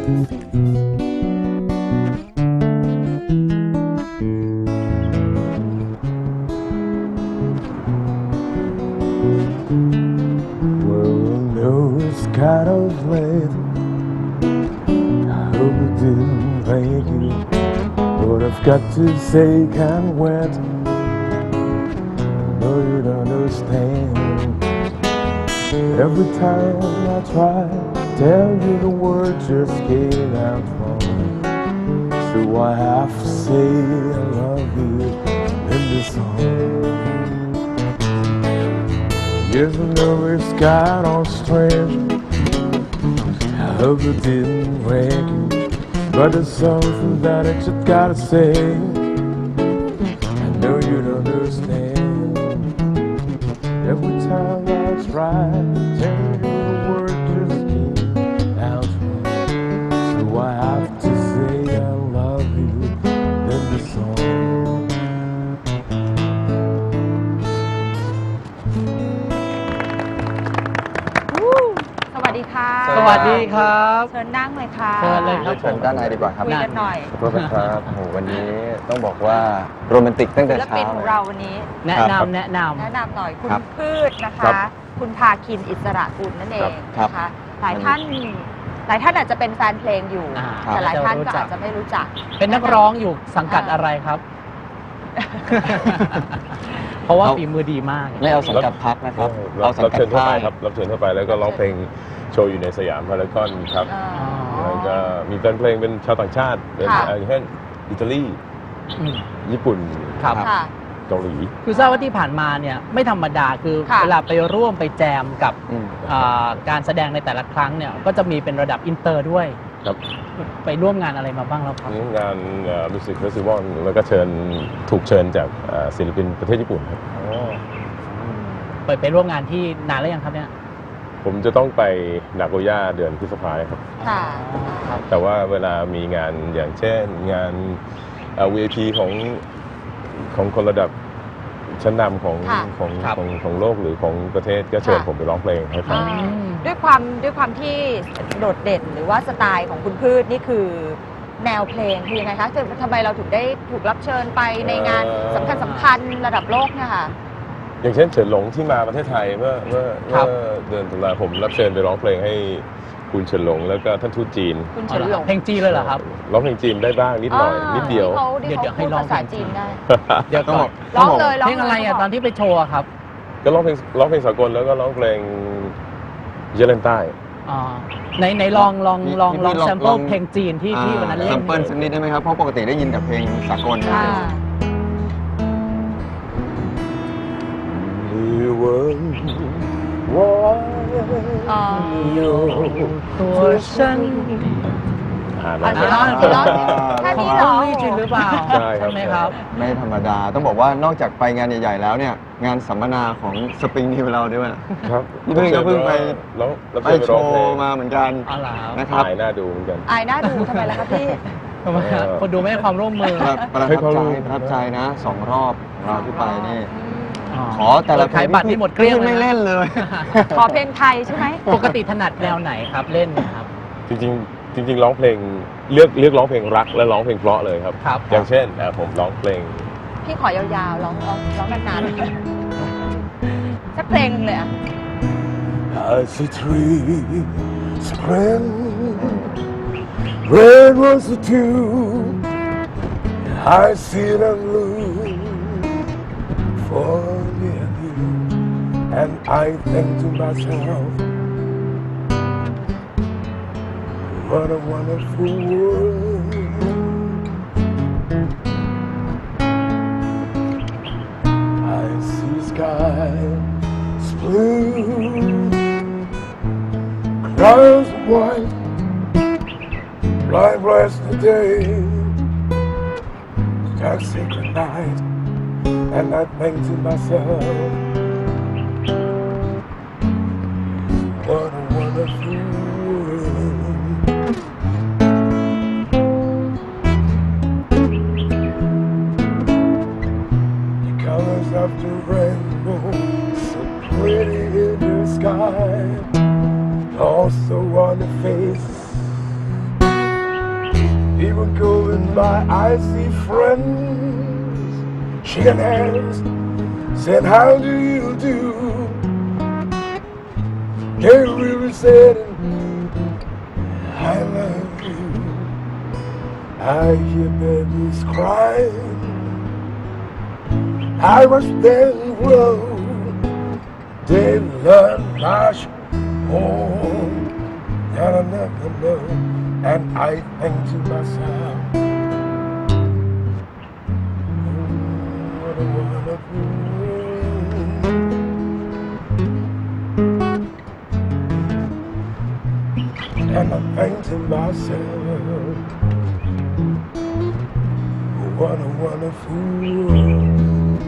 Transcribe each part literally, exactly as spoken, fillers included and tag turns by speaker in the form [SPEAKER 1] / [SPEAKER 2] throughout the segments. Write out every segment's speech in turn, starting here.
[SPEAKER 1] Kind of late. I hope it didn't wake you, but I've got to say can't wait. No, you don't understand. Every time I try to tell you the words just came out wrong, so I have to say I love you in this song. Yes, I know it's got all strength. I hope it didn't break you, but there's something that I just gotta say. I know you don't understand. Every time I try to tell you the word just came out wrong, so I have to say I love you in the song.
[SPEAKER 2] สวัสดีค่ะ
[SPEAKER 3] สวัสดีครับ
[SPEAKER 2] เชิญนั่งเลยค่ะ
[SPEAKER 3] เชิญเลยครับ
[SPEAKER 4] เชิญด้านในดีกว่าครับ
[SPEAKER 2] คุยกันหน่อย
[SPEAKER 4] ขอบคุณครับโอ้วันนี้ต้องบอกว่าโรแมนติกตั้งแต่
[SPEAKER 2] ศิล
[SPEAKER 4] เช้า
[SPEAKER 2] ปินของเราวันนี้
[SPEAKER 3] แนะนำแนะน
[SPEAKER 2] แนะนำหน่อยคุณ
[SPEAKER 4] ครับ
[SPEAKER 2] พืชนะ
[SPEAKER 4] ครั
[SPEAKER 2] คะ
[SPEAKER 4] บ
[SPEAKER 2] คุณพาคินอิสระกุลนั่นเอง
[SPEAKER 4] ครับ
[SPEAKER 2] นะคะหลายท่านหลายท่านอาจจะเป็นแฟนเพลงอยู่
[SPEAKER 3] อ่า
[SPEAKER 2] แต่หลายท่านก็
[SPEAKER 3] จะรู้จัก
[SPEAKER 2] อาจจะไม่รู้จัก
[SPEAKER 3] ำเป็นนักร้องอยู่สังกัดอะไรครับ เพราะว่าฝีมือดีมาก
[SPEAKER 4] ไม่เอาสังกัดพักนะครับ
[SPEAKER 1] รั
[SPEAKER 4] เอา
[SPEAKER 1] บ
[SPEAKER 4] สัง
[SPEAKER 1] รับ
[SPEAKER 4] กัด
[SPEAKER 1] เชิญทั่ว
[SPEAKER 4] ค่า
[SPEAKER 1] ไป
[SPEAKER 4] ย
[SPEAKER 1] ครับรับเชิญทั่วไปแล้วก็ร้องเพลงโชว์อยู่ในสยามพารากอนครับ
[SPEAKER 2] เอ่อ
[SPEAKER 1] แล้วก็มีแฟนเพลงเป็นชาวต่างชาติเป็น
[SPEAKER 2] ค่ะ
[SPEAKER 1] อย่างเช่นอิตาลี
[SPEAKER 3] อืม
[SPEAKER 1] ญี่ปุ่น
[SPEAKER 3] ครับ
[SPEAKER 2] ค่ะ
[SPEAKER 1] เกาหลี
[SPEAKER 3] คือทราบว่าที่ผ่านมาเนี่ยไม่ธรรมดาคือ
[SPEAKER 2] ค่ะ
[SPEAKER 3] เวลาไปร่วมไปแจมกับ
[SPEAKER 4] อืม
[SPEAKER 3] อ่าการแสดงในแต่ละครั้งเนี่ยก็จะมีเป็นระดับอินเตอร์ด้วย
[SPEAKER 1] ครับ
[SPEAKER 3] ไปร่วมงานอะไรมาบ้างแล้วครับ
[SPEAKER 1] งานมิวสิกเฟสติวัลแล้วก็เชิญถูกเชิญจากเอ่อศิลปินประเทศญี่ปุ่นครับ
[SPEAKER 3] ไปไปร่วมงานที่นานแล้วยังครับเนี่ย
[SPEAKER 1] ผมจะต้องไปนาโกย่าเดือนพฤษภาคมครับ
[SPEAKER 2] ค่ะ
[SPEAKER 3] ครับ
[SPEAKER 1] แต่ว่าเวลามีงานอย่างเช่นงานเอ่อ วี ไอ พี ของของคนระดับชั้นนำของ
[SPEAKER 2] ค่ะ
[SPEAKER 1] ของ
[SPEAKER 3] ครับ
[SPEAKER 1] ของของโลกหรือของประเทศก็เชิญ
[SPEAKER 2] ค่ะ
[SPEAKER 1] ผมไปร้องเพลงให้ฟัง
[SPEAKER 2] อ่าด้วยความด้วยความที่โดดเด่นหรือว่าสไตล์ของคุณพืชนี่คือแนวเพลงคือยังไงคะทำไมเราถึงได้ถูกรับเชิญไปในงาน
[SPEAKER 1] เอ่อ
[SPEAKER 2] สำคัญสำคัญระดับโลกเนี่ยค่ะ
[SPEAKER 1] อย่างเช่นเฉินหลงที่มาประเทศไทยเมื่อเมื่อ
[SPEAKER 3] ครั
[SPEAKER 1] เมื่
[SPEAKER 3] บ
[SPEAKER 1] อเดือนตุลาผมรับเชิญไปร้องเพลงให้คุณเฉินหลงแล้วก็ท่านทูตจีน
[SPEAKER 2] คุณ
[SPEAKER 3] อ๋อ
[SPEAKER 2] เฉิน
[SPEAKER 3] เหรอ
[SPEAKER 2] หลง
[SPEAKER 3] เพลงจีนเลยเหรอครับ
[SPEAKER 1] ร้องเพลงจีนได้บ้างนิดหน่อย
[SPEAKER 2] า
[SPEAKER 1] นิดเดียว
[SPEAKER 2] ที่เขาที่
[SPEAKER 3] เดี๋ยวเดี๋ยว
[SPEAKER 2] เขา
[SPEAKER 3] ให้
[SPEAKER 2] พูด
[SPEAKER 3] ลอง
[SPEAKER 2] ภาษาจีนได้
[SPEAKER 3] เดี๋ยว
[SPEAKER 4] ต้อง
[SPEAKER 3] ก่
[SPEAKER 4] บ
[SPEAKER 3] อ
[SPEAKER 4] อน ก
[SPEAKER 2] ร้องเลยร้อง
[SPEAKER 3] เพลงอะไรอ่ะตอนที่ไปโชว์อะครับ
[SPEAKER 1] ก็ร้องเพลงร้องเพลงสากลแล้วก็ร้องเพลงเยเลนใต้
[SPEAKER 3] อ๋อในในลองลองลองลอง
[SPEAKER 4] ลอง
[SPEAKER 3] แซมเปิ
[SPEAKER 4] ล
[SPEAKER 3] ล
[SPEAKER 4] อง
[SPEAKER 3] เพลงจีนที่ที่วันนั้นเล่
[SPEAKER 4] แซ
[SPEAKER 3] น
[SPEAKER 4] มเปิลสักนิดได้ไหมครับ เพราะปกติได้ยินแต่เพลงสากลนะ
[SPEAKER 2] อ่า
[SPEAKER 1] มีวันวอน
[SPEAKER 2] อ๋อ
[SPEAKER 3] อยู่ตัวฉัน
[SPEAKER 1] อ่าน
[SPEAKER 2] อ่ะ
[SPEAKER 1] นะ
[SPEAKER 2] เดี๋ยวร้องเดี๋ยวร้องแค่นี้เหรอ
[SPEAKER 3] นี่จริงหรือเปล่า
[SPEAKER 1] ใช่ครับ
[SPEAKER 3] ไหมครับ
[SPEAKER 4] ไม่ธรรมดา ต้องบอกว่านอกจากไปงานใหญ่ๆแล้วเนี่ยงานสัมมนาของสปริงนิวเราด้วย
[SPEAKER 1] ครับ
[SPEAKER 4] พี่เพิ่งก็เพิ่งไป
[SPEAKER 1] ร้องรับ
[SPEAKER 4] ไป
[SPEAKER 1] เชิญ
[SPEAKER 4] โช
[SPEAKER 1] ร้องเพลง
[SPEAKER 4] ว์มาเหมือนกัน
[SPEAKER 3] อ๋อเหรอครับ
[SPEAKER 4] นะครับ
[SPEAKER 1] ถ่ายหน้าดูเหมือนกัน
[SPEAKER 2] อายน่าดูทำไมล่ะคะพี่
[SPEAKER 3] ทำไมครับคนดูไม่ให้ความร่วมมือ
[SPEAKER 4] ประประ
[SPEAKER 1] ให้
[SPEAKER 4] ทับ
[SPEAKER 1] เขา
[SPEAKER 4] ใจ
[SPEAKER 1] รู้
[SPEAKER 4] ประทับใจนะสองรอบของเราที่ไปนี่
[SPEAKER 2] อืม
[SPEAKER 4] ขอแต่ละ
[SPEAKER 3] ขายบัตรนี่หมดเกลี้ยงเลยนะ
[SPEAKER 4] ไม่เล่นเลย
[SPEAKER 2] ขอเพลงไทยใช่ไหม
[SPEAKER 3] ปกติถนัดแนวไหนครับเล่นนะครับ
[SPEAKER 1] จริงๆจริงๆร้องเพลงเลือกเลือกร้องเพลงรักและร้องเพลงเพราะเลยครับ
[SPEAKER 3] ครับ
[SPEAKER 1] อย่างเช่นอ่ะผมร้องเพลง
[SPEAKER 2] พี่ขอยาวๆร้องร้องร้องนานๆเลยสักเพลงหนึ่งเลยอ่ะ
[SPEAKER 1] I see tree spring red was the dew I see them blue for me and you and I think to myself what a wonderful world I see skies blue clouds white, blind bless the day, dark sacred night, and I think to myself, what a wonderful world. The colors of the rainbow, so pretty in the sky. Also on the face Even going by, I see friends shaking hands, saying, "How do you do?" They really said, "I love you." I hear babies crying. I was then grow. They learn much more than I never know. And I think to myself, oh, what a wonderful world. And I think to myself, what a wonderful world.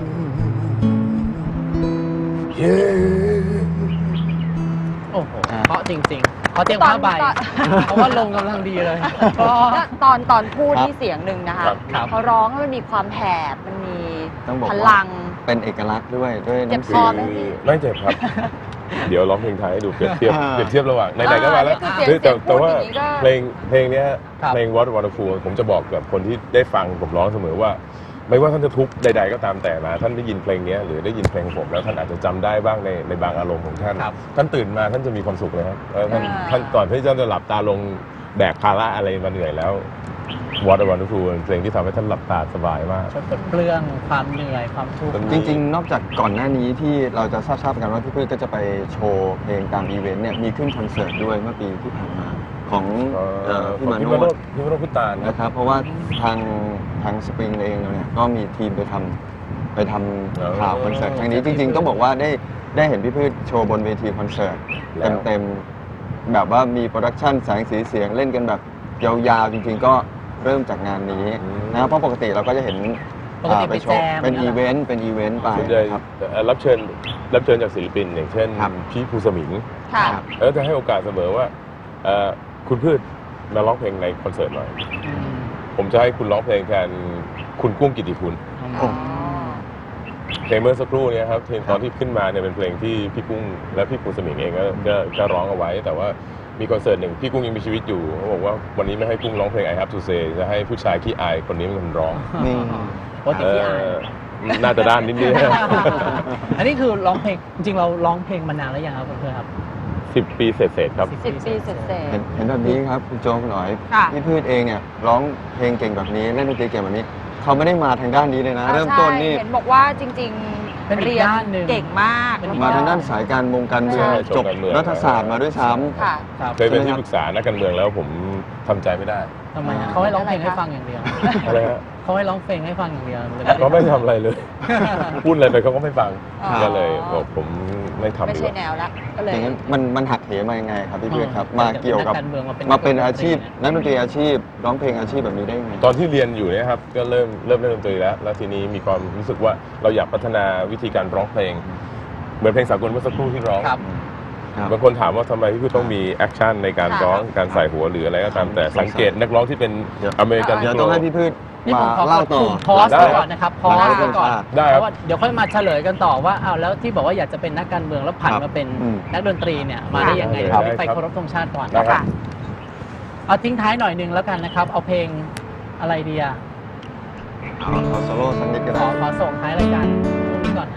[SPEAKER 1] Yeah.
[SPEAKER 3] โอ้โหเพราะจริงๆเพราะเตียงผ้าใบ
[SPEAKER 2] ตอน
[SPEAKER 3] เพราะว่าลงกำลังดีเลยก็
[SPEAKER 2] แล้วตอนตอนพูด
[SPEAKER 4] ครับ
[SPEAKER 2] ที่เสียงหนึ่งนะคะ
[SPEAKER 1] ครับ
[SPEAKER 3] ครับ
[SPEAKER 2] พอร้องแล้วมันมีความแผบมันมี
[SPEAKER 4] ต้องบอก
[SPEAKER 2] พ
[SPEAKER 4] ว่า
[SPEAKER 2] ลัง
[SPEAKER 4] เป็นเอกลักษณ์ด้วยด้วย
[SPEAKER 2] เจ็บ
[SPEAKER 4] น้ำ
[SPEAKER 2] คอ
[SPEAKER 4] เสียง
[SPEAKER 2] ไหมพี่
[SPEAKER 1] ไม่เจ็บครับ เดี๋ยวร้องเพลงไทยให้ดูเปรียบเทียบ
[SPEAKER 4] อ่า
[SPEAKER 1] เปรียบเทียบระหว่างไหนๆก็มาแล้ว
[SPEAKER 2] อ่านี่คือเสียง
[SPEAKER 1] แต่แต่ว่า
[SPEAKER 2] เสียงพูดอย่างนี้ก็
[SPEAKER 1] เพลงเพลงเนี้ย
[SPEAKER 3] ครับ
[SPEAKER 1] เพลง What Wonderful ผมจะบอกกับคนที่ได้ฟังผมร้องเสมอว่า ไม่ว่าท่านจะทุกข์ใด ๆ ก็ตามแต่นะท่านได้ยินเพลงเนี้ยหรือได้ยินเพลงผมแล้วท่านอาจจะจำได้บ้างในในบางอารมณ์ของท่าน
[SPEAKER 3] ครับ
[SPEAKER 1] ท่านตื่นมาท่านจะมีความสุขเลยครับเออท่าน
[SPEAKER 2] อ่า
[SPEAKER 1] ท่านก่อนที่ท่านจะหลับตาลงแบกภาระอะไรมาเหนื่อยแล้ว What Wonderful เป็นเพลงที่ทำให้ท่านหลับตาสบายมาก
[SPEAKER 3] ช่วยปลดเปลื้องความเหนื่อยความทุกข์
[SPEAKER 4] จริงๆ นอกจากก่อนหน้านี้ที่เราจะทราบๆกันว่าพี่พืชก็จะไปโชว์เพลงตามอีเวนต์เนี่ยมีขึ้นคอนเสิร์ตด้วยเมื่อปีที่ผ่านมาของเอ่อพี่มา
[SPEAKER 1] พี่
[SPEAKER 4] โน
[SPEAKER 1] มาโน
[SPEAKER 4] ด
[SPEAKER 1] ดพี่มาโนดพุตานนะ
[SPEAKER 4] นะครับเพราะว่าทางทางสปริงเองเนี่ยก็มีทีมไปทำไปทำข่าวคอนเสิร์ตครั้งนี้จริงๆ ต้องบอกว่าได้ได้เห็นพี่พืชโชว์บนเวทีคอนเสิร์ต
[SPEAKER 1] แล้ว
[SPEAKER 4] เต็มๆแบบว่ามีโปรดักชันแสงสีเสียงเล่นกันแบบยาวๆจริงๆ ก็เริ่มจากงานนี้นะครับเพราะปกติเราก็จะเห็น
[SPEAKER 3] ปกติ
[SPEAKER 4] อ่าไปโช
[SPEAKER 3] ไป
[SPEAKER 4] ว์
[SPEAKER 3] แจม
[SPEAKER 4] เป็น
[SPEAKER 3] เนี่ย
[SPEAKER 4] อีเวนต์เป็นอีเวนต์ไป
[SPEAKER 1] ส่วนใหญ่
[SPEAKER 4] นะครับ
[SPEAKER 1] เอ่อรับเชิญรับเชิญจากศิลปินอย่างเช่น
[SPEAKER 4] ครับ
[SPEAKER 1] พี่ภูสมิง
[SPEAKER 2] ค่ะ
[SPEAKER 4] ครับ
[SPEAKER 1] แล้วจะให้โอกาสเสมอว่าเอ่อคุณพืชมาร้องเพลงในคอนเสิร์ตหน่อย
[SPEAKER 3] อืม
[SPEAKER 1] ผมจะให้คุณร้องเพลงแทนคุณกุ้งกิติคุณ
[SPEAKER 2] อ๋อ
[SPEAKER 1] เพลงเมื่อสักครู่เนี้ครับเพลงตอนที่ขึ้นมาเนี่ยเป็นเพลงที่พี่กุ้งและพี่ภูสมิงเองก็ก็ก็ร้องเอาไว้ แต่ว่ามีคอนเสิร์ตหนึ่งพี่กุ้งยังมีชีวิตอยู่เขาบอกว่าวันนี้ไม่ให้กุ้งร้องเพลง I Have to Say จะให้ผู้ชายขี้อายคนนี้เป็นคนร้อง
[SPEAKER 4] นี่
[SPEAKER 3] ปกติที่อ่าน
[SPEAKER 1] เอ่อน่าจะด้านนิดนึง
[SPEAKER 3] อันนี้คือร้องเพลงจริงๆเราร้องเพลงมานานแล้วยังครับเพื่อนๆครับ
[SPEAKER 1] สิบปีเศษๆครับ
[SPEAKER 2] สิบปีเสร็จเสร็จ
[SPEAKER 4] เห็นเห็นแบบนี้ครับคุณโจคุณหน่อย
[SPEAKER 2] ค่ะ
[SPEAKER 4] พี่พืชเองเนี่ยร้องเพลงเก่งแบบนี้เล่นดนตรีเก่งแบบนี้เขาไม่ได้มาทางด้านนี้เลยนะ เริ่มต้นนี่
[SPEAKER 2] เห็นบอกว่าจริง
[SPEAKER 3] เป็น
[SPEAKER 2] ๆ
[SPEAKER 3] อีก
[SPEAKER 2] เรียน
[SPEAKER 3] ด้านหนึ่ง
[SPEAKER 2] เก่งมาก
[SPEAKER 3] เป็นอีก
[SPEAKER 4] มา
[SPEAKER 2] แล้วก็
[SPEAKER 4] ทางด้านสายการมงการเมือง
[SPEAKER 1] ใช่
[SPEAKER 4] จบ
[SPEAKER 1] การเมือง
[SPEAKER 4] รัฐศาสตร์มาด้วยซ้ำ
[SPEAKER 2] ค่ะ
[SPEAKER 3] ครับ
[SPEAKER 1] เคยเป็น
[SPEAKER 4] ใช่ไหมครับ
[SPEAKER 1] ที่ปรึกษานักการเมืองแล้วผมทำใจไม่ได้
[SPEAKER 3] ทำไมฮะเขาให้ร้องเพลงให้ฟังอย่างเดียว
[SPEAKER 1] อะไรฮะ
[SPEAKER 3] เขาให้ร้องเพลงให้ฟังอย่างเดียวเลย
[SPEAKER 1] ก็ไม่ทำอะไรเลย พูดอะไรไปเขาก็ไม่ฟัง
[SPEAKER 2] อ๋อ
[SPEAKER 1] ก็เลยบอกผมไม่ทำ
[SPEAKER 2] ไม่
[SPEAKER 1] ดีก
[SPEAKER 2] ใช่
[SPEAKER 1] ว่า
[SPEAKER 2] แนวละก็เลย
[SPEAKER 4] อย่างนั้นมันมันหักเหมายังไงครับพี่พืชครับ
[SPEAKER 3] อ๋อ
[SPEAKER 4] มาเกี่ยวกับ
[SPEAKER 3] จากนักการเมืองมาเป็น
[SPEAKER 4] มาเป็นอาชีพ
[SPEAKER 3] นั
[SPEAKER 4] นั
[SPEAKER 3] ก
[SPEAKER 4] ก
[SPEAKER 3] ด
[SPEAKER 4] ด
[SPEAKER 3] น
[SPEAKER 4] น
[SPEAKER 3] ต
[SPEAKER 4] ต
[SPEAKER 3] รี
[SPEAKER 4] รีอาชีพร้องเพลงอาชีพแบบนี้ได้ยังไง
[SPEAKER 1] ตอนที่เรียนอยู่เนี่ยครับก็เริ่มเริ่มเล่นดนตรีแล้ว แล้วทีนี้มีความรู้สึกว่าเราอยากพัฒนาวิธีการร้องเพลง เหมือนเพลงสากลเมื่อสักครู่ที่ร้อง
[SPEAKER 3] ครับ
[SPEAKER 4] ครับ
[SPEAKER 1] บางคนถามว่าทำไมพี่คือต้องมีแอคชั่นในการร้องการใส่หัวหรืออะไรก็ตามแต่สังเกตนักร้องที่เป็น
[SPEAKER 4] เดี๋ยว
[SPEAKER 1] อเมริกัน
[SPEAKER 4] เดี๋ยวต้องให้พี่พืช
[SPEAKER 3] นี่
[SPEAKER 4] มา
[SPEAKER 3] ผมขอ
[SPEAKER 4] เล่าต่อ
[SPEAKER 3] พอส
[SPEAKER 1] ได้
[SPEAKER 3] ไว้ก่อนนะครับพอส
[SPEAKER 4] ได้
[SPEAKER 3] ไว้ก่อน
[SPEAKER 1] ได้
[SPEAKER 3] เพ
[SPEAKER 1] ครับ
[SPEAKER 3] ราะว่าเดี๋ยวค่อยมาเฉลยกันต่อว่าอ้าวแล้วที่บอกว่าอยากจะเป็นนักการเมืองแล้วผัน
[SPEAKER 4] ครับ
[SPEAKER 3] มาเป็น
[SPEAKER 4] อืม
[SPEAKER 3] นักดนตรีเนี่ยมาได้ยังไง
[SPEAKER 1] ได้
[SPEAKER 3] เดี๋ยว
[SPEAKER 1] ได้
[SPEAKER 3] ไป
[SPEAKER 1] ครับ
[SPEAKER 3] เคารพธงชาติก่อน
[SPEAKER 1] ได้ครับ
[SPEAKER 2] ค่ะ
[SPEAKER 3] เอาทิ้งท้ายหน่อยหนึงแล้วกันนะครับ เอาเพลงอะไรดีอะ
[SPEAKER 4] เอาเอาโซโล่สักนิดก็
[SPEAKER 3] ข
[SPEAKER 4] ได้
[SPEAKER 3] อขอส่งท้ายรายการช่วงนี้ก่อนนะ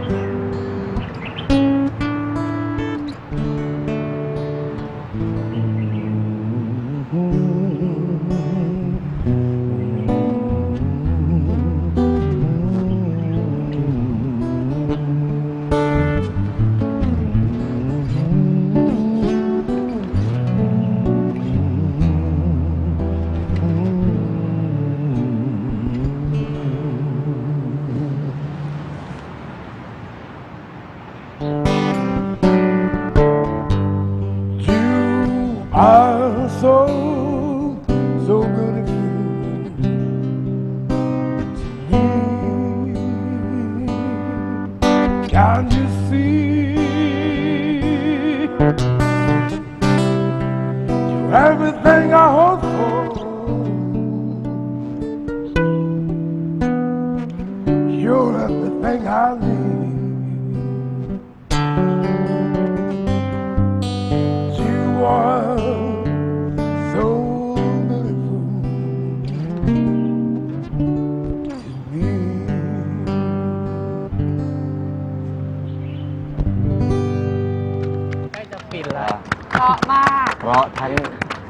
[SPEAKER 1] You are so, so beautiful to me. Can't you see? You're everything I hope for. You're everything I need. You are so beautiful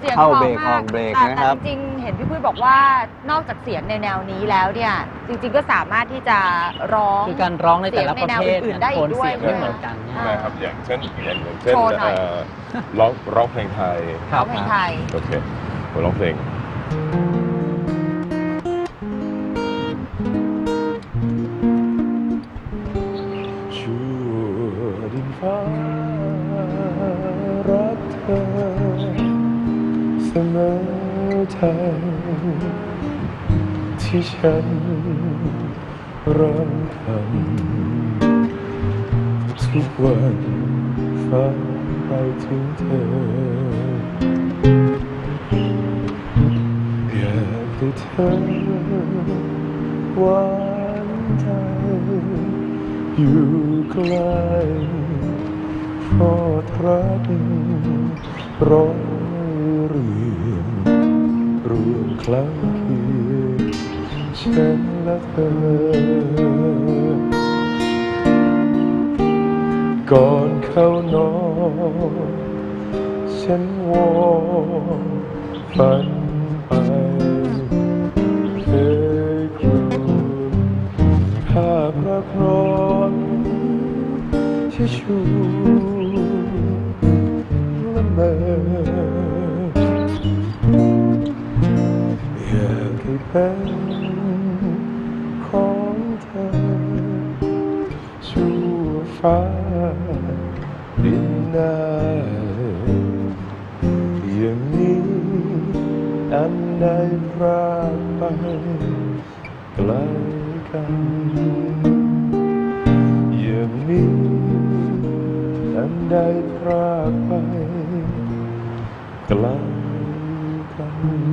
[SPEAKER 2] เสียง
[SPEAKER 4] เข้า
[SPEAKER 2] พอ
[SPEAKER 4] เบรก
[SPEAKER 2] ม
[SPEAKER 4] ออกเบรก
[SPEAKER 2] แต่
[SPEAKER 4] นะ
[SPEAKER 2] แต่
[SPEAKER 4] ครับ
[SPEAKER 2] จริงๆเห็นพี่พุ้ยบอกว่านอกจากเสียงในแนวนี้แล้วเนี่ยจริงๆก็สามารถที่จะร้อง
[SPEAKER 3] คือการร้องในแต่ละประเภท
[SPEAKER 2] เสียงในแนวอื่นๆ
[SPEAKER 3] เนี่ย
[SPEAKER 2] ได้อี
[SPEAKER 3] โท
[SPEAKER 2] ก
[SPEAKER 3] น
[SPEAKER 2] ด้วย
[SPEAKER 3] เสียงไม่เหมือนกันเนี่ย
[SPEAKER 1] นะครับอย่างเช่นอย่างอย่างเช่น
[SPEAKER 2] โชว์หน่อย
[SPEAKER 1] เอ่อร้องร้องเพลงไทย
[SPEAKER 3] ครั
[SPEAKER 2] ร้อบ งเพลงไทย
[SPEAKER 1] โอเคผมร้องเพลง ชั่วดินฟ้ารักเธอเสมอทางที่ฉันร้องคำทุกวันฟังไปถึงเธอ อยากให้เธอหวานใจอยู่ใกล้เพราะรักร้อยเรียงรวมครั้งเคียงฉันและเธอ ก่อนเข้านอนฉันวอนฝันไปเคยครวญภาพรักร้อนที่ชูละเมออยากให้เป็นของเธอชั่วฟ้าดินนาอย่างนี้อันใดพรากไปไกลกันอย่างนี้อันใดพรากไปไกลกัน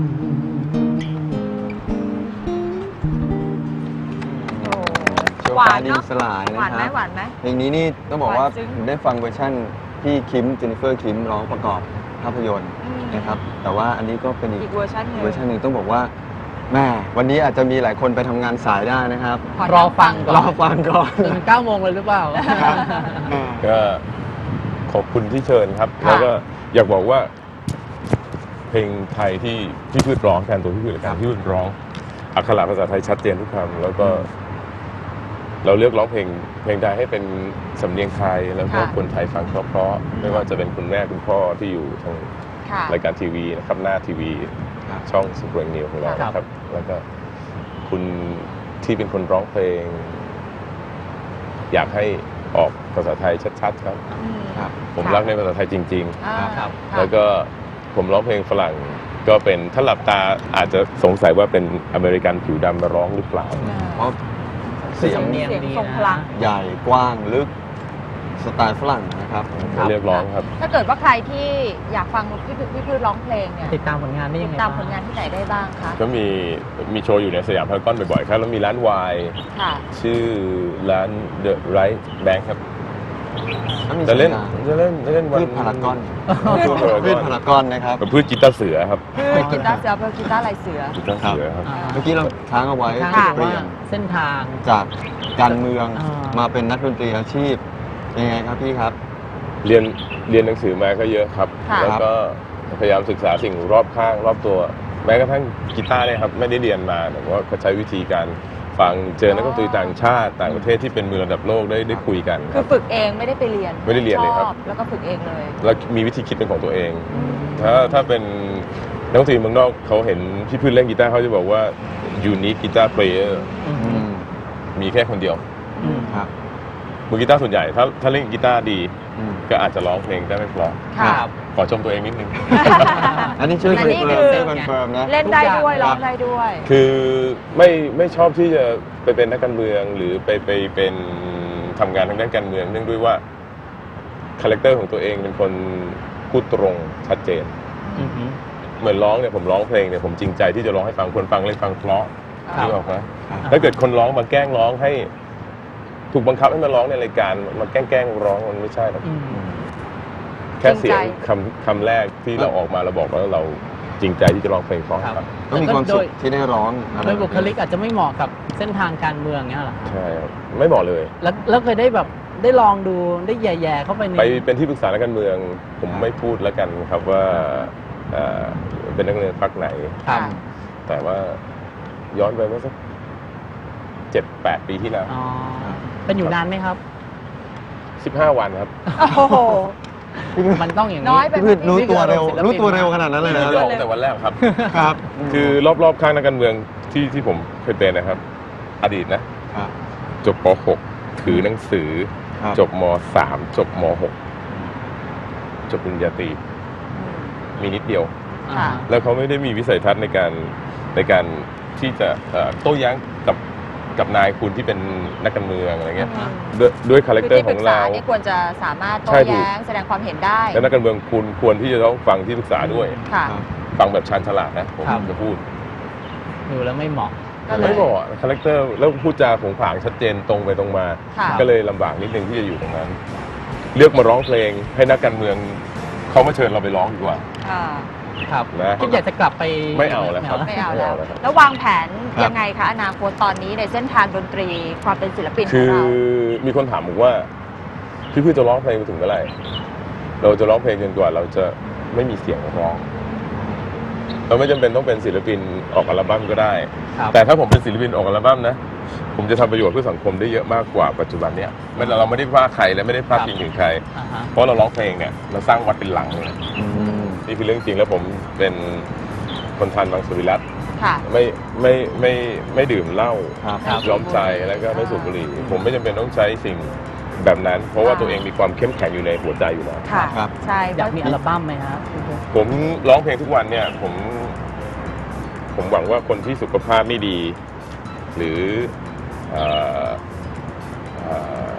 [SPEAKER 2] โอ้
[SPEAKER 4] โชว์
[SPEAKER 2] หวา
[SPEAKER 4] ฟ้าน ดิน
[SPEAKER 2] เนาะ
[SPEAKER 4] สลาย
[SPEAKER 2] หวา
[SPEAKER 4] นะ
[SPEAKER 2] น
[SPEAKER 4] ค
[SPEAKER 2] ไหม
[SPEAKER 4] รับ
[SPEAKER 2] หวานไหม
[SPEAKER 4] เพลงนี้นี่ต้องบอกว่า
[SPEAKER 2] หวานซึ้ง
[SPEAKER 4] ผมได้ฟังเวอร์ชั่นที่คิมเจนนิเฟอร์คิมร้องประกอบภาพยนตร์
[SPEAKER 2] อืม
[SPEAKER 4] นะครับ แต่ว่าอันนี้ก็เป็นอี
[SPEAKER 2] อี
[SPEAKER 4] ก
[SPEAKER 2] กเวอร์ชันหนึ่ง
[SPEAKER 4] เวอร์ชันหนึ่งต้องบอกว่าแม่วันนี้อาจจะมีหลายคนไปทำงานสายได้นะครับ
[SPEAKER 2] ข
[SPEAKER 3] รอฟังก่อน
[SPEAKER 4] รอฟังก่อน
[SPEAKER 3] ถึงเก้าโมงเลยหรือเปล่า
[SPEAKER 1] ก็ขอบคุณที่เชิญครับ
[SPEAKER 2] ค่ะ
[SPEAKER 1] แล้วก็อยากบอกว่า เพลงไทยที่พี่พืชร้องแทนตัวพี่พืชและการพี่พืชร้องอักขระภาษาไทยชัดเจนทุกคำแล้วก็ เราเลือกร้องเพลงเพลงไทยให้เป็นสำเนียงไทย แล้วก็
[SPEAKER 2] ค่ะ
[SPEAKER 1] คนไทยฟังเพราะๆไม่ว่าจะเป็นคุณแม่คุณพ่อที่อยู่ทาง
[SPEAKER 2] ค่ะ
[SPEAKER 1] รายการทีวีนะครับหน้าทีวี
[SPEAKER 4] ครับ
[SPEAKER 1] ช่องสุพรรณนิวของเรา
[SPEAKER 3] ครับ
[SPEAKER 1] นะครับ แล้วก็คุณที่เป็นคนร้องเพลง อยากให้ออกภาษาไทยชัดๆครับ
[SPEAKER 2] อืม
[SPEAKER 4] ครับ
[SPEAKER 1] ผม
[SPEAKER 2] ค่ะ
[SPEAKER 1] รักในภาษาไทยจริง
[SPEAKER 2] อ่า
[SPEAKER 3] ครับ
[SPEAKER 1] ๆ แล้วก็ผมร้องเพลงฝรั่ง ก็เป็นถ้าหลับตาอาจจะสงสัยว่าเป็นอเมริกันผิวดำมาร้องหรือเปล่า
[SPEAKER 4] เพราะเสียง
[SPEAKER 3] สำเนียง
[SPEAKER 2] เสียง
[SPEAKER 3] ดี
[SPEAKER 2] ทรง
[SPEAKER 3] นะ
[SPEAKER 2] พลัง
[SPEAKER 4] ใหญ่กว้างลึกสไตล์ฝรั่งนะครับ
[SPEAKER 1] มาเรียกร้องครับ
[SPEAKER 2] ถ้าเกิดว่าใครที่อยากฟังพี่พืชพี่พืชร้องเพลงเนี่ย
[SPEAKER 3] ติดตามผลงานได้
[SPEAKER 2] ติ
[SPEAKER 3] ยัง
[SPEAKER 2] ด
[SPEAKER 3] ไง
[SPEAKER 2] ตาม
[SPEAKER 3] บ้
[SPEAKER 2] ผลงานที่ไหนได้บ้างคะ
[SPEAKER 1] ก็มีมีโชว์อยู่ในสยามพารากอนบ่อยๆครับ แล้วมีร้านวาย
[SPEAKER 2] ค่ะ
[SPEAKER 1] ชื่อร้าน The Right Bank ครับ
[SPEAKER 4] แล้วมี
[SPEAKER 1] จะเล่น
[SPEAKER 4] สัญญาณ
[SPEAKER 1] จะเล่นจะเล่นวัน
[SPEAKER 4] พืชพารากอน
[SPEAKER 1] พืชพาราก
[SPEAKER 4] พืช
[SPEAKER 1] อน
[SPEAKER 4] พารากอนนะครับ
[SPEAKER 1] เป็นพืชกีตาร์เสือครับ
[SPEAKER 2] คือกีตาร์เสือเป็นกีตาร์ลายเสือ
[SPEAKER 1] กีตาร์เสือครับ
[SPEAKER 3] อ่า
[SPEAKER 4] เมื่อกี้เราค้างเอาไว้
[SPEAKER 3] ทาง
[SPEAKER 2] ค่ะ
[SPEAKER 4] เปลี่ยน
[SPEAKER 3] เส้นทาง
[SPEAKER 4] จากการเมือง
[SPEAKER 3] อ่าม
[SPEAKER 4] มาเป็นนักดนตรีอาชีพยังไงครับพี่ครับ
[SPEAKER 1] เรียนเรียนหนังสือมาก็เยอะครับ
[SPEAKER 2] ค่ะ
[SPEAKER 1] แล้วก็พยายามศึกษาสิ่งรอบข้างรอบตัว แม้กระทั่งกีตาร์เนี่ยครับไม่ได้เรียนมาแต่ว่าก็ใช้วิธีการฟังเจอนักดนตรีต่างชาติต่างประเทศที่เป็นมือระดับโลกได้ได้คุยกันค
[SPEAKER 2] คื
[SPEAKER 1] รั
[SPEAKER 2] อบ ฝึกเองไม่ได้ไปเรียน
[SPEAKER 1] ไม่ได้เรียนเลยครับ
[SPEAKER 2] ชอแล้วก็ฝึกเองเลย
[SPEAKER 1] แล้วมีวิธีคิดเป็นของตัวเอง ถ้าถ้าเป็นนักดนตรีเมืองนอกเขาเห็นพี่พืชเล่นกีตาร์เขาจะบอกว่า unique guitar player
[SPEAKER 3] อืม
[SPEAKER 4] อืม
[SPEAKER 1] มีแค่คนเดียว
[SPEAKER 3] อืม
[SPEAKER 4] ครับ
[SPEAKER 1] มือกีตาร์ส่วนใหญ่ถ้าถ้าเล่นกีตาร์ดี
[SPEAKER 4] อืม
[SPEAKER 1] ก็อาจจะร้องเพลงได้ไม่เพราะ
[SPEAKER 2] ค่ะ
[SPEAKER 3] ครับ
[SPEAKER 1] ขอชมตัวเองนิดนึง
[SPEAKER 4] อันนี้ช่วย
[SPEAKER 2] อั
[SPEAKER 4] คน อน
[SPEAKER 2] นี้
[SPEAKER 4] เฟิ
[SPEAKER 2] คื
[SPEAKER 4] ร์ม
[SPEAKER 2] อ
[SPEAKER 4] ช่วยคอนเฟิร์มนะ
[SPEAKER 2] เล่นได้ด้วย
[SPEAKER 3] ทุกอย่าง
[SPEAKER 2] ร้องได้ด้วย
[SPEAKER 1] คือไม่ไม่ชอบที่จะไปเป็นนักการเมืองหรือไปไปเป็นทำงานทางด้านการเมืองเนื่องด้วยว่าคาแรคเตอร์ของตัวเองเป็นคนพูดตรงชัดเจน
[SPEAKER 3] อืม
[SPEAKER 1] เหมือนร้องเนี่ยผมร้องเพลงเนี่ยผมจริงใจที่จะร้องให้ฟังคนฟังเลยฟังเพราะ
[SPEAKER 3] ครับ
[SPEAKER 1] นึกออกไหม
[SPEAKER 4] ครับ
[SPEAKER 1] ถ้าเกิดคนร้องมาแกล้งร้องให้ ถูกบังคับให้มาร้องในรายการมาแกล้งแกล้งร้องมันไม่ใช่หรอก
[SPEAKER 3] อืม
[SPEAKER 1] แค่เสียง
[SPEAKER 2] จริงใจ
[SPEAKER 1] คำคำแรกที่เราออกมาเราบอกว่าเราจริงใจที่จะร้องเพลงเพราะ
[SPEAKER 3] ครับ
[SPEAKER 1] ครับ
[SPEAKER 4] ต้องมีความสุขที่ได้ร้องอะไร
[SPEAKER 3] โดยบุคลิกอาจจะไม่เหมาะกับเส้นทางการเมืองเงี้ยเหรอ
[SPEAKER 1] ใช่ครับไม่เหมาะเลย
[SPEAKER 3] แล้วแล้วเคยได้แบบได้ลองดูได้แย่ๆเข้าไปใน
[SPEAKER 1] ไปเป็นที่ปรึกษานักการเมือง ผมไม่พูดแล้วกันครับว่าเอ่อเป็นนักเรียนพรรคไหน
[SPEAKER 3] ครับ
[SPEAKER 1] แต่ว่าย้อนไปเมื่อสักเจ็ดแปดปีที่แล้ว
[SPEAKER 3] อ๋อเป็นอยู่นานไหมครับ
[SPEAKER 1] สิบห้าวันครับ
[SPEAKER 2] โอ้โห
[SPEAKER 3] มันต้องอย่าง
[SPEAKER 2] น้
[SPEAKER 3] นี้
[SPEAKER 2] อยไป
[SPEAKER 4] พี่พืชรู้ตัวเร็ว
[SPEAKER 3] นี่คือ
[SPEAKER 4] รู้ตัวเร็วขนาดนั้นเลยนะ
[SPEAKER 1] ไม่ได้ออกแต่วันแรกครับ
[SPEAKER 4] ครับ
[SPEAKER 1] คือรอบๆข้างนักการเมืองที่ที่ผมเคยเป็นนะครับ อดีตนะ
[SPEAKER 4] ครับ
[SPEAKER 1] จบป .หก ถือหนังสือ
[SPEAKER 4] ครับ
[SPEAKER 1] จบม .สาม จบม .หก จบปริญญาตรีมีนิดเดียว
[SPEAKER 3] อ่า
[SPEAKER 1] แล้วเขาไม่ได้มีวิสัยทัศน์ในการในการที่จะเอ่อโต้แย้งกับกับนายคุณที่เป็นนักการเมืองอะไรเงี้ย
[SPEAKER 3] อ่า
[SPEAKER 1] ด้วยด้วยคาแรคเตอ
[SPEAKER 2] คือ
[SPEAKER 1] ร์
[SPEAKER 2] ที่
[SPEAKER 1] ข
[SPEAKER 2] ป
[SPEAKER 1] อ
[SPEAKER 2] รึ
[SPEAKER 1] ง
[SPEAKER 2] กษา
[SPEAKER 1] เรา
[SPEAKER 2] นี่ควรจะสามารถโต้
[SPEAKER 1] ใช่ถูก
[SPEAKER 2] แย้งแสดงความเห็นได้
[SPEAKER 1] และนักการเมืองคุณควรที่จะต้องฟังที่ปรึกษาด้วย
[SPEAKER 2] ค่ะ
[SPEAKER 4] ครับ
[SPEAKER 1] ฟังแบบชาญฉลาดนะผม
[SPEAKER 3] ครับ
[SPEAKER 1] จะพูด
[SPEAKER 3] ดูแล้วไม่เหมาะ
[SPEAKER 2] ก็เลย
[SPEAKER 1] ไม่บอกคาแรคเตอร์แล้วพูดจาผงผางชัดเจนตรงไปตรงมา
[SPEAKER 2] ค่ะ
[SPEAKER 1] ก็เลยลำบากนิดนึงที่จะอยู่ตรงนั้น เลือกมาร้องเพลงให้นักการเมืองเขามาเชิญเราไปร้องดีกว่า
[SPEAKER 2] อ่า
[SPEAKER 3] ครับ
[SPEAKER 1] นะ
[SPEAKER 3] คิดอยากจะกลับไป
[SPEAKER 1] ไม่เอาแล้วครับ
[SPEAKER 2] ไม่เอาแล้ว
[SPEAKER 1] ไม่เอาแล้วครับ
[SPEAKER 2] แล้ววางแผน
[SPEAKER 4] ครับ
[SPEAKER 2] ยังไงคะอนาคตตอนนี้ในเส้นทางดนตรีความเป็นศิลปินข
[SPEAKER 1] คื
[SPEAKER 2] อง
[SPEAKER 1] อ
[SPEAKER 2] เรา
[SPEAKER 1] มีคนถามผมว่าพี่พี่จะร้องเพลงไปถึงเมื่อไหร่เราจะร้องเพลงจนกว่าเราจะไม่มีเสียงร้อง เราไม่จำเป็นต้องเป็นศิลปินออกอัลบั้มก็ได้
[SPEAKER 3] ครับ
[SPEAKER 1] แต่ถ้าผมเป็นศิลปินออกอัลบั้มนะผมจะทำประโยชน์เพื่อสังคมได้เยอะมากกว่าปัจจุบันเนี้ยไม่เราไม่ได้ว่าใครและไม่ได้พาดพิงถึงใคร
[SPEAKER 3] อ่าฮะ
[SPEAKER 1] เพราะเราร้องเพลงเนี่ยเราสร้างวัดเป็นหลังเลย
[SPEAKER 4] อืม
[SPEAKER 1] นี่คือเรื่องจริงแล้วผมเป็นคนทานมังสวิรัต
[SPEAKER 2] ค่ะ
[SPEAKER 1] ไม่ไม่ไม่ไม่ดื่มเหล้า
[SPEAKER 4] ครับ
[SPEAKER 3] ครับ
[SPEAKER 1] ยอมใจแล้วก็ไม่สูบบุหรี่ ผมไม่จำเป็นต้องใช้สิ่งแบบนั้น เพราะว่า
[SPEAKER 2] อ่า
[SPEAKER 1] ตัวเองมีความเข้มแข็งอยู่ในหัวใจอยู่แล้ว
[SPEAKER 2] ค่ะ
[SPEAKER 4] ครับ
[SPEAKER 2] ใช่
[SPEAKER 3] อยากมีอัลบั้มไหมครับ
[SPEAKER 1] ผมร้องเพลงทุกวันเนี่ยผม ผมหวังว่าคนที่สุขภาพไม่ดี หรือเอ่อเอ่อ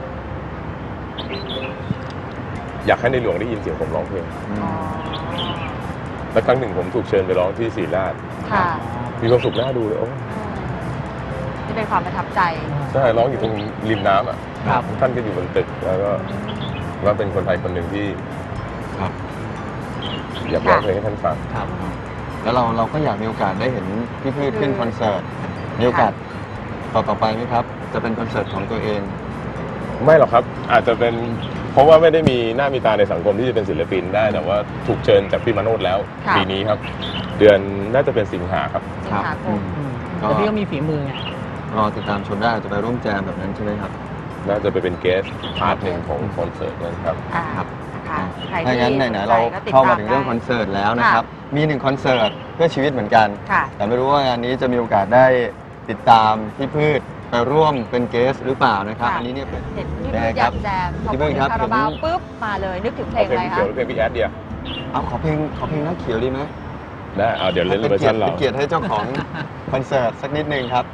[SPEAKER 1] อยากให้ในหลวงได้ยินเสียงผมร้องเพลง
[SPEAKER 2] อ๋อ
[SPEAKER 1] และครั้งหนึ่งผมถูกเชิญไปร้องที่ศรีราช
[SPEAKER 2] ค่ะ
[SPEAKER 1] มีความสุขน่าดูเลยโอ้
[SPEAKER 2] นี่เป็นความประทับใจ
[SPEAKER 1] ใช่ร้องอยู่ตรงริมน้ำอ่ะ
[SPEAKER 3] ครับ
[SPEAKER 1] ท่านก็อยู่บนตึกแล้วก็ว่าเป็นคนไทยคนหนึ่งที่
[SPEAKER 4] ครับ
[SPEAKER 1] อยากร้องเพลงให้ท่านฟัง
[SPEAKER 3] ครับ
[SPEAKER 4] แล้วเราเราก็อยากมีโอกาสได้เห็นพี่พืชขึ้นคอนเสิร์ต มีโอกาสต่อต่อไปไหมครับ จะเป็นคอนเสิร์ตของตัวเอง
[SPEAKER 1] ไม่หรอกครับ อาจจะเป็นเพราะว่าไม่ได้มีหน้ามีตาในสังคมที่จะเป็นศิลปินได้ แต่ว่าถูกเชิญจากพี่มาโนดแล้ว
[SPEAKER 2] ค่ะ
[SPEAKER 1] ปีนี้ครับ เดือนน่าจะเป็นสิงหาครับ
[SPEAKER 2] สิงหาคม
[SPEAKER 3] อืม
[SPEAKER 4] ก็
[SPEAKER 3] แต่พี่ก็มีฝีมือไง
[SPEAKER 4] รอติดตามชมได้อาจจะไปร่วมแจมแบบนั้นใช่ไหมครับ
[SPEAKER 1] น่าจะไปเป็นเกสพาร์ทหนึ่งของคอนเสิร์ตนั้นครับ
[SPEAKER 2] อ่า
[SPEAKER 4] ครับ
[SPEAKER 2] ค่ะใคร
[SPEAKER 4] ถ้า
[SPEAKER 2] ที่
[SPEAKER 4] งั้นไหนๆเรา
[SPEAKER 2] สใจก็ติด
[SPEAKER 4] เข้ามา
[SPEAKER 2] ต
[SPEAKER 4] ถึงเรื่อง
[SPEAKER 2] ได้
[SPEAKER 4] คอนเสิร์ตแล้วนะครับ มีหนึ่งคอนเสิร์ตเพื่อชีวิตเหมือนกัน
[SPEAKER 2] ค่ะ
[SPEAKER 4] แต่ไม่รู้ว่างานนี้จะมีโอกาสได้ติดตามพี่พืชไปร่วมเป็นเกสหรือเปล่านะครับ
[SPEAKER 2] ค่ะ
[SPEAKER 4] อันนี้เนี่ยเป็น
[SPEAKER 2] เห็นพี่
[SPEAKER 4] ได้
[SPEAKER 2] พืช
[SPEAKER 4] ค
[SPEAKER 2] อ
[SPEAKER 4] รั
[SPEAKER 2] ยา
[SPEAKER 4] บ
[SPEAKER 2] กแจมพอ
[SPEAKER 4] พี่
[SPEAKER 2] พู
[SPEAKER 4] พื
[SPEAKER 2] ด
[SPEAKER 4] ช
[SPEAKER 2] ถึ
[SPEAKER 4] ครับ
[SPEAKER 2] งคาราบาว
[SPEAKER 4] ผม
[SPEAKER 2] ปุ๊บมาเลยนึกถึงเพล
[SPEAKER 1] เอา
[SPEAKER 2] ง
[SPEAKER 1] เพล
[SPEAKER 2] อะไร
[SPEAKER 1] ง
[SPEAKER 2] คะ
[SPEAKER 1] เขียวหรือเพลงพี่แอดเดียว
[SPEAKER 4] เอาขอเพลงขอเพลงนักเขียวดีไหม
[SPEAKER 1] นะเอาเดี๋ยวเล่น
[SPEAKER 4] เป็น
[SPEAKER 1] เวอร์
[SPEAKER 4] เกีย
[SPEAKER 1] ชั
[SPEAKER 4] ร
[SPEAKER 1] น
[SPEAKER 4] ติ
[SPEAKER 1] เรา
[SPEAKER 4] เป็นเกียรติให้เจ้าของ คอนเสิร์ตสักนิดนึงครับ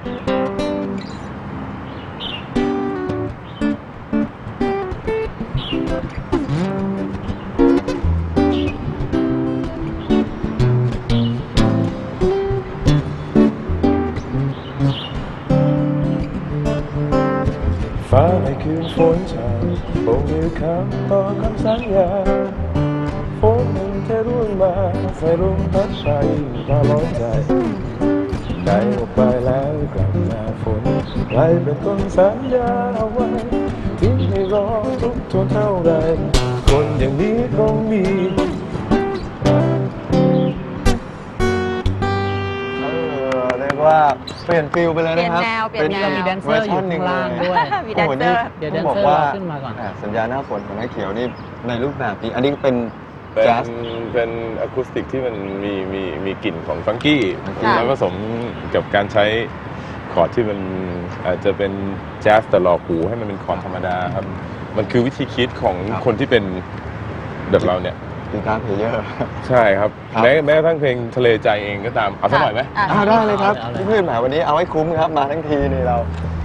[SPEAKER 1] ฟ้าในคืนฝนชาคงมีคำต่อคำสัญญาฝนมันเทร่วงมาใส่ลมพัดไปตลอดใจใจออกไปแล้วกลับมาฝนใครเป็นคนสัญญาเอาไว้ทิ้งให้รอทุกทนเท่าไรคนอย่างนี้คงมี
[SPEAKER 4] เออเรียกว่าเปลี่ยนฟิลไปเลยนะครับ
[SPEAKER 2] เปลี่ยนแนวเปลี่ยนแนว
[SPEAKER 3] มีแดนเซอร์อยู่ข้างล่างด้วย
[SPEAKER 2] มีแดนเซอร์
[SPEAKER 3] เดี๋ยวแดน
[SPEAKER 4] บอ
[SPEAKER 3] เซ
[SPEAKER 4] ก
[SPEAKER 3] อร์
[SPEAKER 4] ว่า
[SPEAKER 3] เราขึ้นมาก่อน
[SPEAKER 4] อ่าสัญญาหน้าฝนของนักเขียวนี่ในรูปแบบนี้ อันนี้เป็น
[SPEAKER 1] เป็น
[SPEAKER 4] แจ๊ส
[SPEAKER 1] เป็นอะคูสติกที่มันมีมีมีกลิ่นของฟังกี้
[SPEAKER 2] ค่ะ
[SPEAKER 1] แล้วผสมกับการใช้คอร์ดที่มันอาจจะเป็นแจ๊สแต่หลอกหูให้มันเป็นคอร์ดธรรมดาครับ มันคือวิธีคิดของ
[SPEAKER 4] ครับ
[SPEAKER 1] คนที่เป็นแบบเราเนี่ย
[SPEAKER 4] กีตาร์เพลเยอร์
[SPEAKER 1] ใช่ครับ
[SPEAKER 4] ครับ
[SPEAKER 1] แม้แม้กระทั่งเพลงทะเลใจเองก็ตาม เอาสักหน่อยไหม
[SPEAKER 2] อ่ะ
[SPEAKER 4] อ่าได้เลยครับ
[SPEAKER 3] เอาเลย
[SPEAKER 4] พี่พืชแหมวันนี้เอาให้คุ้มครับมาทั้งทีนี่เรา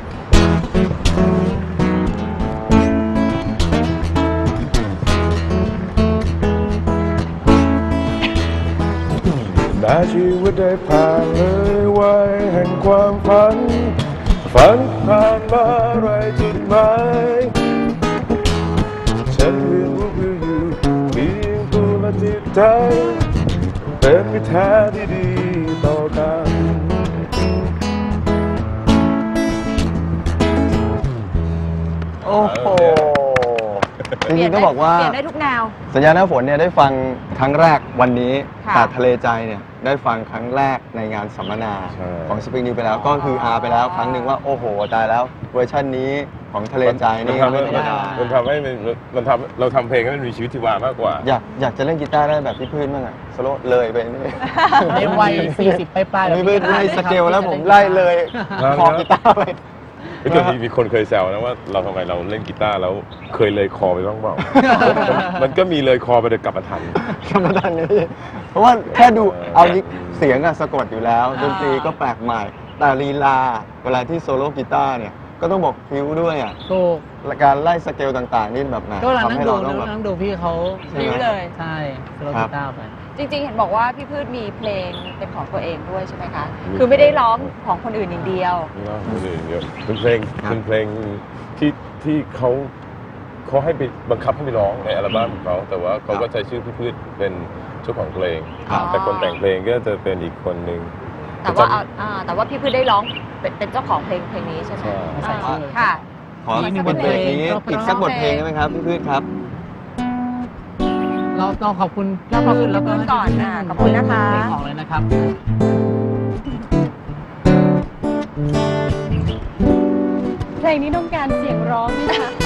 [SPEAKER 1] แม้ชีวิตได้ผ่านเลยวัยแห่งความฝัน ฝันผ่านมาไรจุดหมายฉันเรียนรู้คืออยู่เพียงตัวละจิตใจเป็นมิตรแท้ที่ดีต่อกัน
[SPEAKER 4] โอ้โหจริงๆต้องบอกว่า
[SPEAKER 2] เปลี่ยนได้ทุกแนว
[SPEAKER 4] สัญญาหน้าฝนเนี่ยได้ฟังครั้งแรกวันนี้
[SPEAKER 2] ค่ะ
[SPEAKER 4] แต่ทะเลใจเนี่ยได้ฟังครั้งแรกในงานสัมมนา
[SPEAKER 1] ใช่
[SPEAKER 4] ของสปริงนิวไปแล้วก็คือฮาไปแล้วครั้งหนึ่งว่าโอ้โหตายแล้วเวอร์ชันนี้ของทะเลใจนี่
[SPEAKER 1] มันทำให้
[SPEAKER 4] ไม่ธรรมดา
[SPEAKER 1] มันทำให้มันมันทำเราทำเพลงให้มันมีชีวิตชีวามากกว่า
[SPEAKER 4] อยากอยากจะเล่นกีตาร์ได้แบบพี่พืชบ้างอะสโลว์เลยไปนี่
[SPEAKER 3] ในวัยสี่สิบปลายๆแบบ
[SPEAKER 4] พี่
[SPEAKER 3] นี้
[SPEAKER 4] พืช
[SPEAKER 3] ก็ด้
[SPEAKER 4] ไล่
[SPEAKER 3] นะ
[SPEAKER 4] ส
[SPEAKER 3] ครับ
[SPEAKER 4] เกลแล้ว
[SPEAKER 3] ที่จะ
[SPEAKER 4] ผม
[SPEAKER 3] ด้
[SPEAKER 4] ไล่เลย
[SPEAKER 1] ครับ
[SPEAKER 4] คอกีตาร์ไป
[SPEAKER 1] เฮ้ยแต่มีมีคนเคยแซวนะว่าเราทำไมเราเล่นกีตาร์แล้วเคยเลยคอไปบ้างเปล่า มันมันก็มีเลยคอไปแต่กลับมาทัน
[SPEAKER 4] ธรรมดานี้เพราะว่าแค่ดู
[SPEAKER 1] เออ
[SPEAKER 4] เอานี้เสียงอะสะกดอยู่แล้วดนตรีก็แปลกใหม่ แต่ลีลาเวลาที่โซโล่กีตาร์เนี่ยก็ต้องบอกพิ้วด้วยอะ
[SPEAKER 3] ถูก
[SPEAKER 4] การไล่สเกลต่างๆ นี่แบบไหน
[SPEAKER 3] ก็เวลา
[SPEAKER 4] ทำ
[SPEAKER 3] นั่ง
[SPEAKER 4] ให้
[SPEAKER 3] ดู
[SPEAKER 4] เราต้องแบบ
[SPEAKER 3] นั่งดูพี่เขา
[SPEAKER 2] พิ้วเลย
[SPEAKER 3] ใช่สโลว์
[SPEAKER 4] ครั
[SPEAKER 3] กี
[SPEAKER 4] บ
[SPEAKER 3] ตาร์ไป
[SPEAKER 2] จริงๆ เห็นบอกว่าพี่พืชมีเพลงเป็นของตัวเองด้วยใช่ไหมคะ
[SPEAKER 1] มี
[SPEAKER 2] คือไม่ได้ร้องของคนอื่นอย่างเดียว
[SPEAKER 1] นี่นะคนอื่นเยอะเป็นเพลงเป็นเพลงที่ที่เขาเขาให้ไปบังคับให้ไปร้องในอัลบั้มของเขาแต่ว่าเขาก็ใช้ชื่อพี่พืชเป็นเจ้าของเพลง
[SPEAKER 2] ครับ
[SPEAKER 1] แต่คนแต่งเพลงก็จะเป็นอีกคนหนึ่ง
[SPEAKER 2] แต่ว่าเอาอ่าแต่ว่าพี่พืชได้ร้องเป็นเป็นเจ้าของเพลงเพลงนี้ใช่ไหม
[SPEAKER 1] ใช่
[SPEAKER 2] อ่าค่ะ
[SPEAKER 4] ขอ
[SPEAKER 2] อีกหนึ่ง
[SPEAKER 4] ปิดเบรกนี้
[SPEAKER 3] เพลง
[SPEAKER 4] อีกสักบทเพลงได้ไหมครับพี่พืชครับ
[SPEAKER 3] เราเราขอบคุณ
[SPEAKER 2] เราขอบคุณ
[SPEAKER 3] แล้ว
[SPEAKER 2] พี่พืชก่อนอ่ะขอบคุณนะคะ
[SPEAKER 3] เพลงออกเลยนะครับ
[SPEAKER 2] เพลงนี้ต้องการเสียงร้องไหมคะ